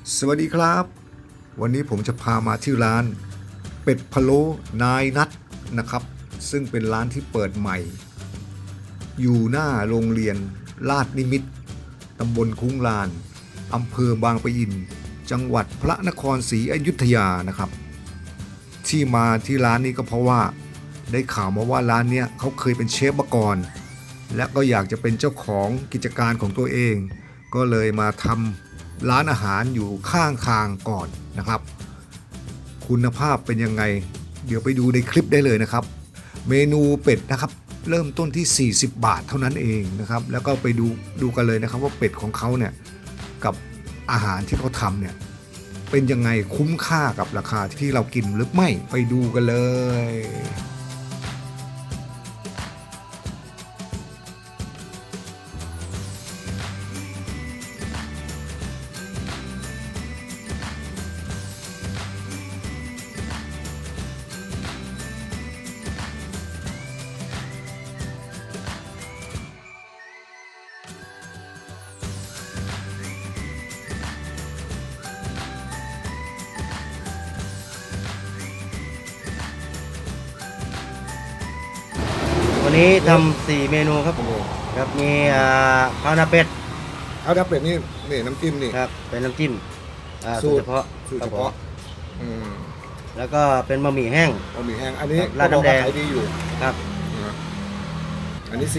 สวัสดีครับวันนี้ผมจะพามาที่ร้านเป็ดพะโล้นายนัทนะครับซึ่งเป็นร้านที่เปิดใหม่อยู่หน้าโรงเรียนลาดนิมิตรตำบลคุ้งลานอำเภอบางปะอินจังหวัดพระนครศรีอยุธยานะครับที่มาที่ร้านนี้ก็เพราะว่าได้ข่าวมาว่าร้านเนี้ยเขาเคยเป็นเชฟมาก่อนและก็อยากจะเป็นเจ้าของกิจการของตัวเองก็เลยมาทำร้านอาหารอยู่ข้างทางก่อนนะครับคุณภาพเป็นยังไงเดี๋ยวไปดูในคลิปได้เลยนะครับเมนูเป็ดนะครับเริ่มต้นที่40 บาทเท่านั้นเองนะครับแล้วก็ไปดูกันเลยนะครับว่าเป็ดของเขาเนี่ยกับอาหารที่เขาทำเนี่ยเป็นยังไงคุ้มค่ากับราคาที่เรากินหรือไม่ไปดูกันเลยวันนี้ทำ4 เมนูครับครับมีข้าวหน้าเป็ดเอาดับเป็ดนี่น้ำจิ้มนี่ครับเป็นน้ำจิ้มสูสูตตรรเฉพาะสูตรคเฉรับผมพาะแล้วก็เป็นบะหมี่แห้งบะหมี่แห้งอันนี้ราดน้ำแดงขายดีอยู่ครับอันนี้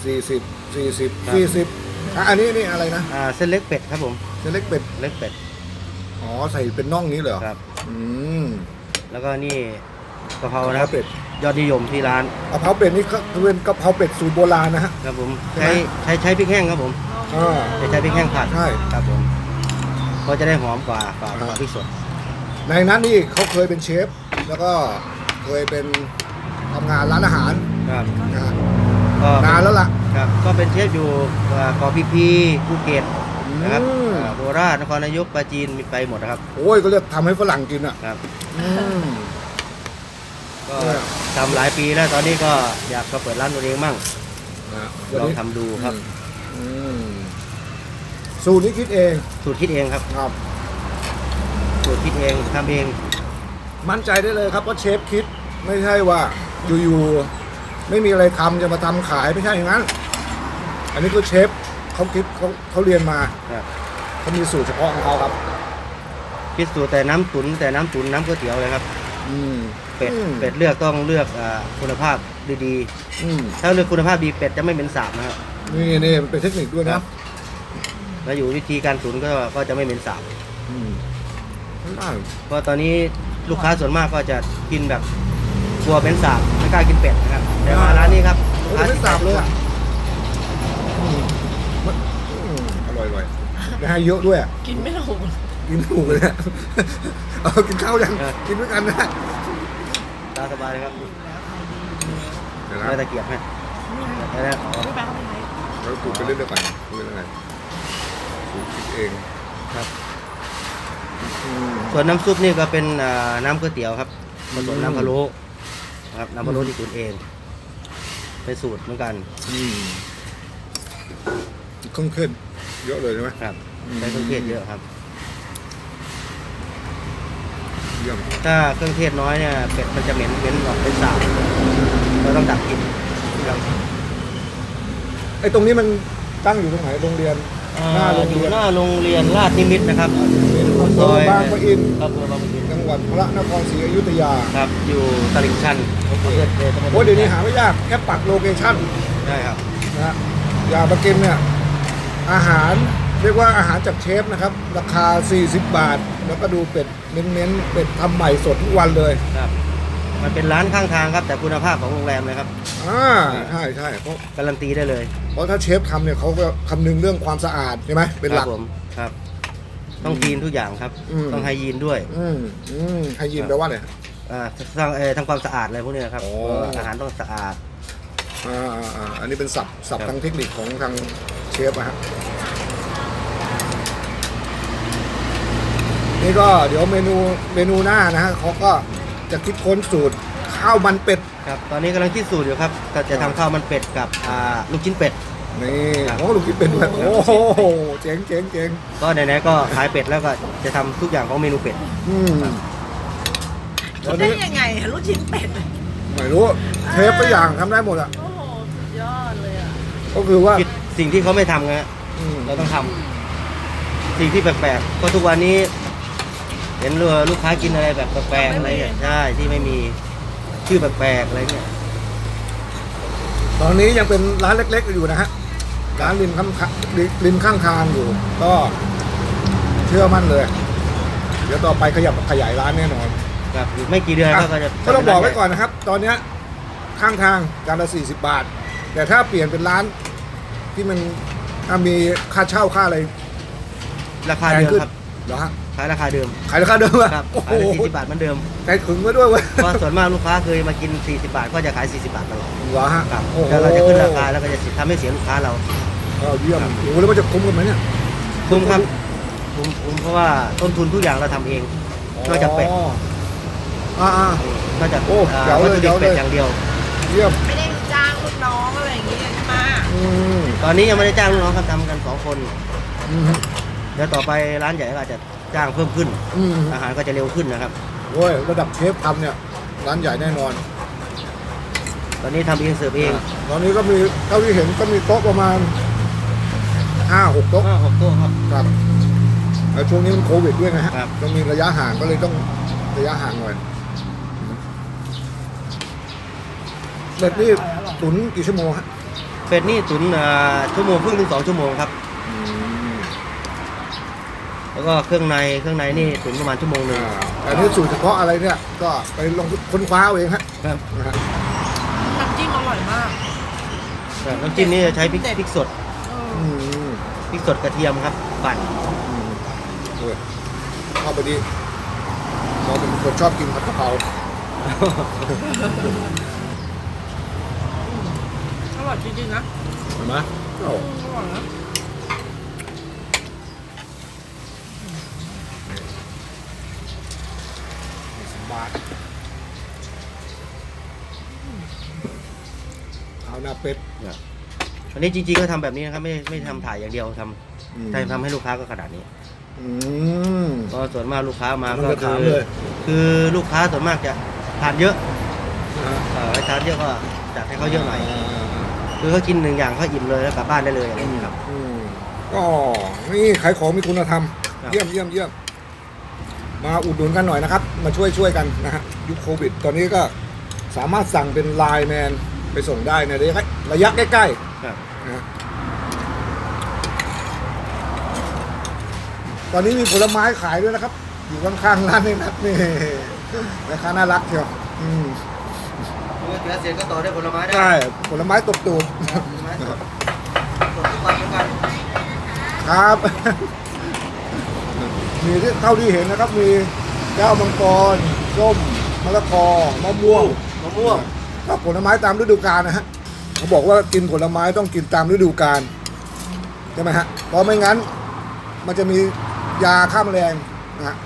40อันนี้นี่อะไรนะเส้นเล็กเป็ดครับผมเส้นเล็กเป็ดเล็กเป็ดอ๋อใส่เป็นน่องนี้เหรอครับอืมแล้วก็นี่กะเพรากะเพนะครารับเป็ดยอดนิยมที่ร้านกะเพราเป็ดนี่ก็เป็นกะเพราเป็ดสูตรโบราณนะฮะครับผมใช่ไหมใช้พริกแห้งครับผมอ่าใช้พริกแห้งผัดใช่ครับผมก็จะได้หอมกว่าพริกสดในนั้นนี่เขาเคยเป็นเชฟแล้วก็เคยเป็นทำงานร้านอาหารครับนะฮะก็นานแล้วล่ะครับก็เป็นเชฟอยู่เกาะพีภูเก็ตนะครับอืมโคราชนครนายกปราจีนมีไปหมดนะครับโอ้ยก็เรียกทำให้ฝรั่งกินอ่ะครับอืมก็เนี่ยทำหลายปีแล้วตอนนี้ก็อยากมาเปิดร้านตัวเองมั่งนะลองทำดูครับอืมสูตรนี้คิดเองสูตรคิดเองครับครับสูตรคิดเองทำเองมั่นใจได้เลยครับว่าเชฟคิดไม่ใช่ว่าอยู่ๆไม่มีอะไรทำจะมาทำขายไม่ใช่อย่างนั้น อันนี้คือเชฟเขาคิดเขาเรียนมาครับเขามีสูตรเฉพาะของเขาครับคิดสูตรแต่น้ำตุ๋นน้ำก๋วยเตี๋ยวเลยครับอืมเป็ดอืมเป็ดเลือกต้องเลือกคุณภาพดีอืมๆถ้าเลือกคุณภาพดีเป็ดจะไม่เหม็นสาบนะครับนี่มันเป็นเทคนิคด้วยครันะบ แล้วอยู่วิธีการตุ๋นก็จะไม่เหม็นสาบอืมไม่ได้เพราะตอนนี้ลูกค้าส่วนมากก็จะกินแบบกลัวเป็นสาบไม่กล้ากินเป็ดนะครับแต่มาร้านนี้ครับลูกโอ้ยค้าไม่สาบเลยอ่ะอร่อยนะฮะเยอะด้วยอะกินไม่ลงกินถูกเลยเนี่ยเอากินข้าวยังกินด้วยกันนะตาสบายเลยครับเดี๋ยวนะไม่ตะเกียบให้แล้วอ๋อไม่ไปเข้าไปไหนเราถูกไปเรื่อยๆก่อนดูยังไงถูกคิดเองครับอืมส่วนน้ำซุปนี่ก็เป็นน้ำก๋วยเตี๋ยวครับผสมน้ำพะโล้ครับน้ำพะโล้ที่ตุ๋นเองเป็นสูตรเหมือนกันอืมเครื่องเทศเยอะเลยใช่ไหมครับใช้เครื่องเทศเยอะครับเยี่ยมถ้าเครื่องเทศน้อยเนี่ยเป็ดมันจะเหม็นออกเป็นสาบเราต้องดับกลิ่นครับไอ้ตรงนี้มันตั้งอยู่ตรงไหนโรงเรียนหน้าโรงอยู่เรียนหน้าโรงเรียนราชนิมิตรนะครับอำเภอบางปะอินอำเภอบางปะอินจังหวัดพระนครศรีอยุธยาครับอยู่ตลิ่งชันอำเภอตำบลโอ้ยเดี๋ยวนี้หาไม่ยากแค่ปักโลเคชั่นใช่ครับนะฮะอยากมากินเนี่ยอาหารเรียกว่าอาหารจากเชฟนะครับ ราคา 40 บาท แล้วก็ดูเป็ดเน้นๆเป็ดทำใหม่สดทุกวันเลยครับมันเป็นร้านข้างทางครับแต่คุณภาพของโรงแรมเลยครับใช่เพราะการันตีได้เลยถ้าเชฟทำเนี่ยเขาก็คำนึงเรื่องความสะอาดใช่ไหมเป็นหลักครับผมครับต้องคลีนทุกอย่างครับอืมต้องไฮยีนด้วยให้ยินแปลว่าเนี่ยทำความสะอาดอะไรพวกนี้นะครับโอ้อาหารต้องสะอาดอันนี้เป็นศัพท์ทางเทคนิคของทางเชฟนะฮะนี่ก็เดี๋ยวเมนูหน้านะฮะเขาก็จะคิดค้นสูตรข้าวมันเป็ดครับตอนนี้กำลังคิดสูตรอยู่ครับก็จะทำข้าวมันเป็ดกับลูกชิ้นเป็ดนี่ครับโอ้ลุงคิดเป็นด้วยโอ้โหเจ๋งเจ๋งเจ๋งก็ไหนๆก็ขายเป็ดแล้วก็จะทำทุกอย่างของเมนูเป็ดอืมตคิอดนได้นี้ยังไงอะลูกชิ้นเป็ดไม่รู้เชฟตัวอย่างทำได้หมดอ่ะโอ้โหสุดยอดเลยอ่ะก็คือว่าคิดสิ่งที่เขาไม่ทำไงอืมเราต้องทำสิ่งที่แปลกๆเพราะทุกวันนี้ เห็นลูกค้ากินอะไรแบบแปลกๆอะไรเงี้ยใช่ที่ไม่มีชื่อแปลกๆอะไรเงี้ยตอนนี้ยังเป็นร้านเล็กๆอยู่นะฮะร้านริมข้างทางอยู่ ก็เชื่อมั่นเลย เดี๋ยวต่อไปขยายร้านแน่นอนครับอีกไม่กี่เดือนก็จะก็ต้องบอกไว้ก่อนนะครับ ตอนเนี้ยข้างทางจานละ40 บาท แต่ถ้าเปลี่ยนเป็นร้านที่มันมีค่าเช่าค่าอะไรราคาแพงเดิมขึ้นครับเหรอฮะขายราคาเดิมขายราคาเดิมอะครับโอ้โหขายละ40 บาทเหมือนเดิมใจถึงไว้ด้วยเว้ยเพราะส่วนมากลูกค้าเคยมากิน40 บาทก็จะขาย40 บาทตลอดเหรอฮะครับโอ้โหแล้วเราจะขึ้นราคาแล้วก็จะทำให้เสียลูกค้าเราเยี่ยมโอ้โหแล้วมันจะคุ้มกันไหมเนี่ยคุ้มครับคุ้มเพราะว่าต้นทุนทุกอย่างเราทำเอง นอกจากเป็ดอ่านอกจากโอ้เจ๋วเลยวัตถุดิบเจ๋วเลยเป็ดอย่างเดียวเยี่ยมไม่ได้จ้างลูกน้องอะไรอย่างเงี้ยใช่ไหมอืมตอนนี้ยังไม่ได้จ้างลูกน้องครับทำกัน2 คนอืมเดี๋ยวต่อไปร้านใหญ่ก็อาจจะจ้างเพิ่มขึ้นอืมอาหารก็จะเร็วขึ้นนะครับโอ้ยระดับเชฟทำเนี่ยร้านใหญ่แน่นอนตอนนี้ทำเองเสิร์ฟเองตอนนี้ก็มีเท่าที่เห็นก็มีโต๊ะประมาณ5-6 โต๊ะ 6 โต๊ะครับครับแล้วช่วงนี้มันโควิดด้วยนะฮะครับต้องมีระยะห่างก็เลยต้องระยะห่างหน่อยเบ็ดนี่ตุ๋นกี่ชั่วโมงฮะเป็ดนี่ตุ๋นชั่วโมงครึ่งถึง2 ชั่วโมงครับ แล้วก็เครื่องในนี่ตุ๋นประมาณชั่วโมงหนึงอันนี้สูตรเฉพาะอะไรเนี่ย ก็ไปลองค้นคว้าเอาเองฮะครับนะฮะน้ำจิ้มอร่อยมากน้ำจิ้มนี่จะใช้พริกสดเอออืมพริกสดกระเทียมครับปั่นเออเข้าไปดีเราเป็นคนชอบกินผัดกะเพราอร่อยจริงๆนะเห็นไหมโอ้อร่อยนะบาทเอาหน้าเป็ดอันนี้จริงๆก็ทำแบบนี้นะครับไม่ทำถ่ายอย่างเดียวทำทำให้ลูกค้าก็ขนาดนี้อืมก็ส่วนมากลูกค้ามามันก็จะถามเลยคือลูกค้าส่วนมากจะทานเยอะนะฮะให้ทานเยอะก็จัดให้เขาเยอะหน่อยคือเขากิน1 อย่างเขาอิ่มเลยแล้วกลับบ้านได้เลยอะไรอย่างนี้ยครับอืมก็นี่ขายของมีคุณธรรมครับเยี่ยมมาอุดหนุนกันหน่อยนะครับ มาช่วยกันนะฮะยุคโควิด ตอนนี้ก็สามารถสั่งเป็นไลน์แมนไปส่งได้ในระยะใกล้ครับๆนะฮะตอนนี้มีผลไม้ขายด้วยนะครับ อยู่ข้างๆร้านนี่นะนี่ราคาน่ารักเชียวอืมเมื่อเสียเสร็จก็ต่อด้วยผลไม้ได้ใช่ผลไม้ตบตูดผลไม้สดสดทุกวันเหมือนกันครับ มีที่เท่าที่เห็นนะครับ มีแก้วมังกรส้มมะละกอมะม่วงมะม่วงก็ผลไม้ตามฤดูกาลนะฮะเขาบอกว่ากินผลไม้ต้องกินตามฤดูกาลใช่ไหมฮะเพราะไม่งั้น มันจะมียาฆ่าแมลงนะฮะ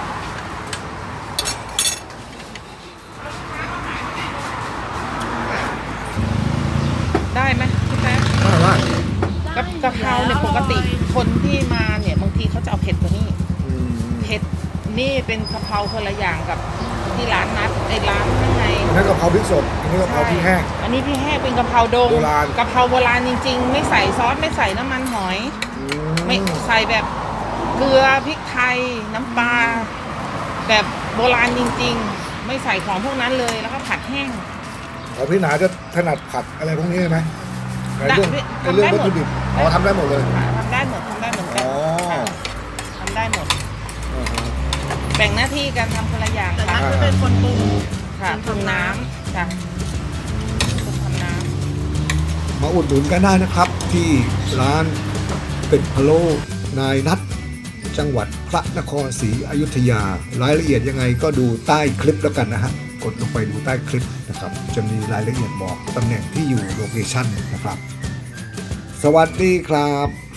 ได้ไหมพี่แป๊บว่ากับกะเพราเนี่ยปกติคนที่มาเนี่ยบางทีเขาจะเอาเผ็ดกว่านี้อืมเผ็ดนี่เป็นกะเพราคนละอย่างกับที่ร้านนัดในร้านข้างในอันนั้นกะเพราพริกสดอันนี้กะเพราพริกแห้งอันนี้พี่แห้งเป็นกะเพราดงโบราณกะเพราโบราณจริง ๆ ไม่ใส่ซอสไม่ใส่น้ำมันหอยอืไม่ใส่แบบเกลือพริกไทยน้ำปลาแบบโบราณจริง ๆ ไม่ใส่ของพวกนั้นเลยแล้วก็ผัดแห้งของพี่หนาจะถนัดผัดอะไรพวกนี้ใช่ไหมไอ้เรื่องได้ไอ้เรื่องทำได้วัตหมดถุดิบอ๋อทำได้หมดเลยทำได้หมดทำได้เหมือนกัอ๋นอค่ะทำได้หมดอ่าฮะแบ่งหน้าที่กันทำคนละอย่างแต่นัค่ะทจะเป็นคนปรุงค่ะปรุงน้ำค่ะปรุงทำน้มาอุดหนุนกันได้นะครับ ที่ร้านเป็ดพะโล้นายนัทจังหวัดพระนครศรีอยุธยารายละเอียดยังไงก็ดูใต้คลิปแล้วกันนะฮะกดลงไปดูใต้คลิปนะครับจะมีรายละเอียดบอกตำแหน่งที่อยู่โลเคชั่นนะครับ สวัสดีครับ